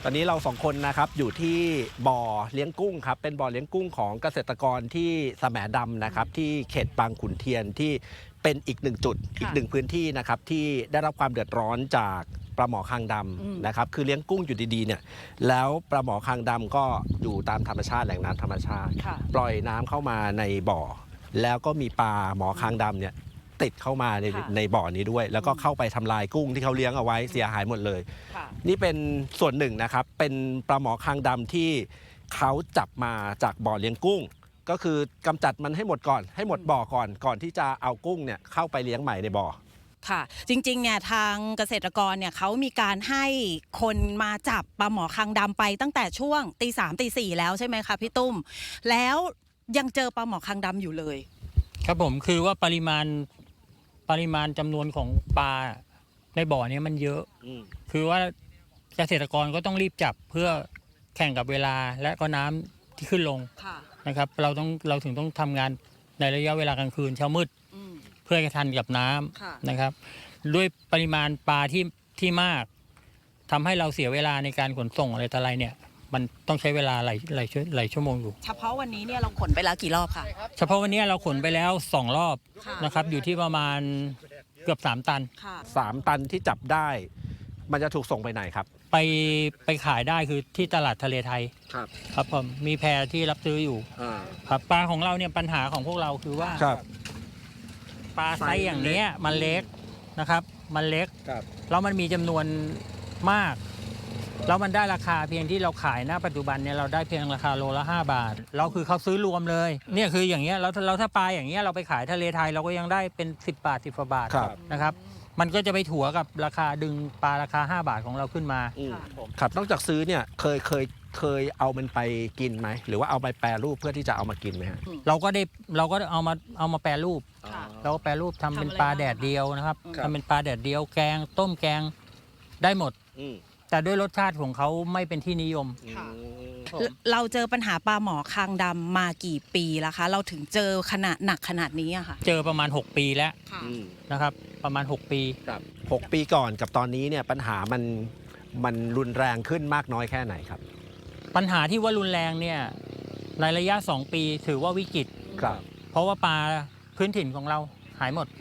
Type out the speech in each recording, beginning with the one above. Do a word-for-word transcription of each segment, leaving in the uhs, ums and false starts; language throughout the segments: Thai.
อนนี้เราสองคนนะครับอยู่ที่บ่อเลี้ยงกุ้งครับเป็นบ่อเลี้ยงกุ้งของเกษตรกรที่แสมดำนะครับที่เขตบางขุนเทียนที่เป็นอีกหนึ่งจุดอีกหนึ่งพื้นที่นะครับที่ได้รับความเดือดร้อนจากปลาหมอคางดำนะครับคือเลี้ยงกุ้งอยู่ดีๆเนี่ยแล้วปลาหมอคางดำก็อยู่ตามธรรมชาติแหล่งน้ำธรรมชาติปล่อยน้ำเข้ามาในบ่อแล้วก็มีปลาหมอคางดำเนี่ยติดเข้ามาในในบ่อนี้ด้วยแล้วก็เข้าไปทำลายกุ้งที่เขาเลี้ยงเอาไว้เสียหายหมดเลยนี่เป็นส่วนหนึ่งนะครับเป็นปลาหมอคางดำที่เขาจับมาจากบ่อเลี้ยงกุ้งก็คือกำจัดมันให้หมดก่อนให้หมดบ่อก่อนก่อนที่จะเอากุ้งเนี่ยเข้าไปเลี้ยงใหม่ในบ่อค่ะจริงๆเนี่ยทางเกษตรกรเนี่ยเขามีการให้คนมาจับปลาหมอคางดำไปตั้งแต่ช่วงตีสามตีสี่แล้วใช่ไหมคะพี่ตุ้มแล้วยังเจอปลาหมอคางดำอยู่เลยครับผมคือว่าปริมาณปริมาณจำนวนของปลาในบ่อนี้มันเยอะคือว่าเกษตรกรก็ต้องรีบจับเพื่อแข่งกับเวลาและก็น้ำที่ขึ้นลงนะครับเราต้องเราถึงต้องทำงานในระยะเวลากลางคืนเช้ามืดเพื่อให้ทันกับน้ำนะครับด้วยปริมาณปลาที่ที่มากทำให้เราเสียเวลาในการขนส่งอะไรต่ออะไรเนี่ยมันต้องใช้เวลาหลายหลายหลายชั่วโมงอยู่เฉพาะวันนี้เนี่ยเราขนไปแล้วกี่รอบคะเฉพาะวันนี้เราขนไปแล้วสองรอบนะครับอยู่ที่ประมาณเกือบสามตันสามตันที่จับได้มันจะถูกส่งไปไหนครับไปไปขายได้คือที่ตลาดทะเลไทยครับครับผมมีแพที่รับซื้ออยู่ครับปลาของเราเนี่ยปัญหาของพวกเราคือว่าปลาไซส์อย่างนี้มันเล็กนะครับมันเล็กแล้วมันมีจำนวนมากแล้วมันได้ราคาเพียงที่เราขายณปัจจุบันเนี่ยเราได้เพียงราคาโลละห้าบาทเราคือเขาซื้อรวมเลยเนี่ยคืออย่างเงี้ยเราเราถ้าปลาอย่างเงี้ยเราไปขายทะเลไทยเราก็ยังได้เป็นสิบบาทสิบกว่าบาทนะครับมันก็จะไปถัวกับราคาดึงปลาราคาห้าบาทของเราขึ้นมาครับนอกจากซื้อเนี่ยเคยเคยเคยเอามันไปกินไหมหรือว่าเอาไปแปรรูปเพื่อที่จะเอามากินไหมฮะเราก็ได้เราก็เอามาเอามาแปรรูปเราก็แปรรูปทำเป็นปลาแดดเดียวนะครับทำเป็นปลาแดดเดียวแกงต้มแกงได้หมดแต่ด้วยรสชาติของเขาไม่เป็นที่นิยมเราเจอปัญหาปลาหมอคางดำมากี่ปีแล้วคะเราถึงเจอขนาดหนักขนาดนี้อะค่ะเจอประมาณหกปีแล้วนะครับประมาณหกปีครับหกปีก่อนกับตอนนี้เนี่ยปัญหามันมันรุนแรงขึ้นมากน้อยแค่ไหนครับปัญหาที่ว่ารุนแรงเนี่ยในระยะสองปีถือว่าวิกฤตครับเพราะว่าปลาพื้นถิ่นของเราหายหมด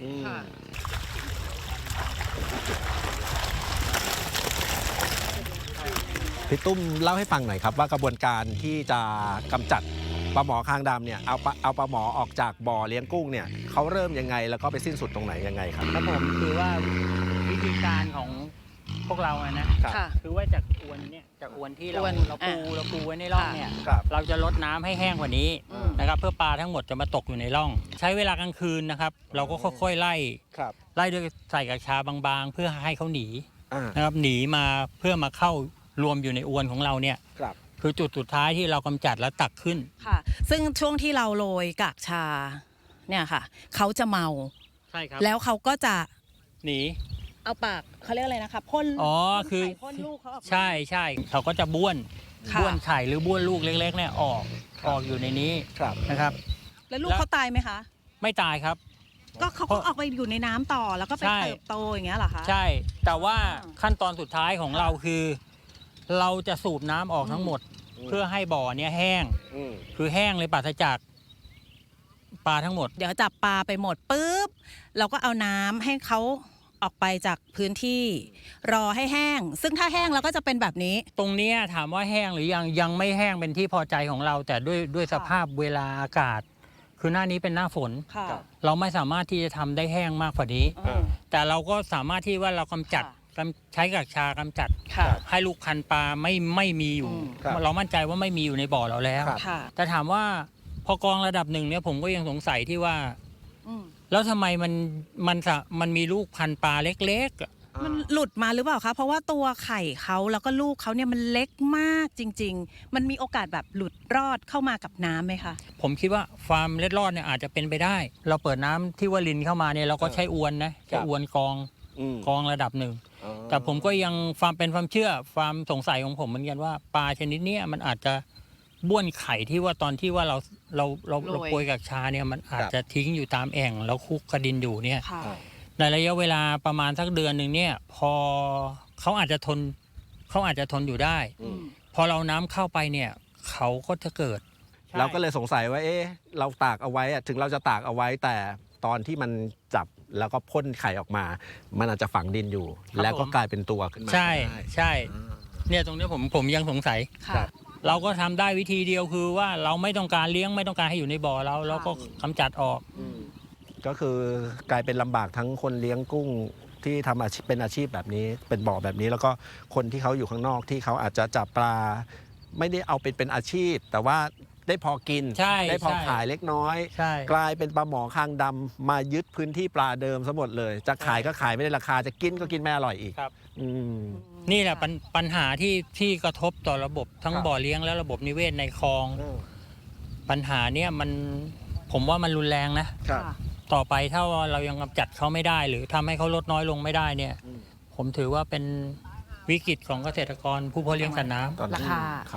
พี่ตุ้มเล่าให้ฟังหน่อยครับว่ากระบวนการที่จะกำจัดปลาหมอคางดำเนี่ยเอาเอาปลาหมอออกจากบ่อเลี้ยงกุ้งเนี่ยเขาเริ่มยังไงแล้วก็ไปสิ้นสุดตรงไหนยังไงครับครับผมคือว่าวิธีการของพวกเราอะนะคือว่าจากอวนเนี่ยจากอวนที่เราเราปูเราปูไว้ในร่องเนี่ยเราจะลดน้ำให้แห้งกว่านี้นะครับเพื่อปลาทั้งหมดจะมาตกอยู่ในร่องใช้เวลากลางคืนนะครับเราก็ค่อยๆไล่ไล่ด้วยใส่กระชาบางๆเพื่อให้เขาหนีนะครับหนีมาเพื่อมาเข้ารวมอยู่ในอวนของเราเนี่ยคือจุดสุดท้ายที่เรากำจัดแล้วตักขึ้นค่ะซึ่งช่วงที่เราโรยกากชาเนี่ยค่ะเขาจะเมาใช่ครับแล้วเขาก็จะหนีเอาปากเขาเรียกอะไรนะคะพ่นอ๋อคือพ่นลูกเขาออกใช่ใช่เขาก็จะบ้วนบ้วนไข่หรือบ้วนลูกเล็กๆเนี่ยออกออกอยู่ในนี้นะครับแล้วลูกเขาตายไหมคะไม่ตายครับก็เขาก็ออกไปอยู่ในน้ำต่อแล้วก็ไปเติบโตอย่างเงี้ยเหรอคะใช่แต่ว่าขั้นตอนสุดท้ายของเราคือเราจะสูบน้ำออกทั้งหมดเพื่อให้บ่อเนี้ยแห้งคือแห้งเลยปราศจากปลาทั้งหมดเดี๋ยวจับปลาไปหมดปุ๊บเราก็เอาน้ำให้เขาออกไปจากพื้นที่รอให้แห้งซึ่งถ้าแห้งเราก็จะเป็นแบบนี้ตรงนี้ถามว่าแห้งหรือยังยังไม่แห้งเป็นที่พอใจของเราแต่ด้วยด้วยสภาพเวลาอากาศคือหน้านี้เป็นหน้าฝนเราไม่สามารถที่จะทำได้แห้งมากกว่านี้แต่เราก็สามารถที่ว่าเรากำจัดใช้กากชากำจัดให้ลูกพันปลาไม่ไม่มีอยู่เรามั่นใจว่าไม่มีอยู่ในบ่อเราแล้วแต่ถามว่าพอกองระดับหนึ่งเนี่ยผมก็ยังสงสัยที่ว่าแล้วทำไมมันมันมันมีลูกพันปลาเล็กๆมันหลุดมาหรือเปล่าคะเพราะว่าตัวไข่เขาแล้วก็ลูกเขาเนี่ยมันเล็กมากจริงๆมันมีโอกาสแบบหลุดรอดเข้ามากับน้ำไหมคะผมคิดว่าฟาร์มเล็ดรอดเนี่ยอาจจะเป็นไปได้เราเปิดน้ำที่ว่าลินเข้ามาเนี่ยเราก็ใช้อวนนะใช้อวนกองกองระดับหนึ่งแต่ผมก็ยังความเป็นความเชื่อความสงสัยของผมเหมือนกันว่าปลาชนิดนี้มันอาจจะบ้วนไข่ที่ว่าตอนที่ว่าเราเราเราเราโปรยกากชาเนี่ยมันอาจจะทิ้งอยู่ตามแอ่งแล้วคุกกระดินอยู่เนี่ยในระยะเวลาประมาณสักเดือนหนึ่งเนี่ยพอเขาอาจจะทนเขาอาจจะทนอยู่ได้อืมพอเราน้ำเข้าไปเนี่ยเขาก็จะเกิดเราก็เลยสงสัยว่าเอ๊ะเราตากเอาไว้อะถึงเราจะตากเอาไว้แต่ตอนที่มันจับแล้วก็พ่นไข่ออกมา มันอาจจะฝังดินอยู่ครับแล้วก็ผมกลายเป็นตัวขึ้นมาใช่ได้ใช่ เนี่ยตรงนี้ผมผมยังสงสัยค่ะเราก็ทำได้วิธีเดียวคือว่าเราไม่ต้องการเลี้ยงไม่ต้องการให้อยู่ในบ่อเราเราก็กำจัดออกอืมก็คือกลายเป็นลำบากทั้งคนเลี้ยงกุ้งที่ทำอาชีพเป็นอาชีพแบบนี้ เป็นบ่อแบบนี้แล้วก็คนที่เขาอยู่ข้างนอกที่เขาอาจจะจับปลา ไม่ได้เอาเป็นเป็นอาชีพ แต่ว่าได้พอกินใช่ได้พอใช่ขายเล็กน้อยใช่กลายเป็นปลาหมอคางดำมายึดพื้นที่ปลาเดิมซะหมดเลย จะขายก็ขายไม่ได้ราคาจะกินก็กินไม่อร่อยอีกครับอืมนี่แหละปัญปัญหาที่ที่กระทบต่อระบบทั้งครับบ่อเลี้ยงและระบบนิเวศในคลอง ปัญหาเนี่ยมันผมว่ามันรุนแรงนะครับค่ะต่อไปถ้าว่าเรายังกำจัดเขาไม่ได้ หรือทำให้เขาลดน้อยลงไม่ได้เนี่ยอืมผมถือว่าเป็นวิกฤตของเกษตรกรผู้เพาะเลี้ยงสัตว์น้ำตอนนี้ราคาครับ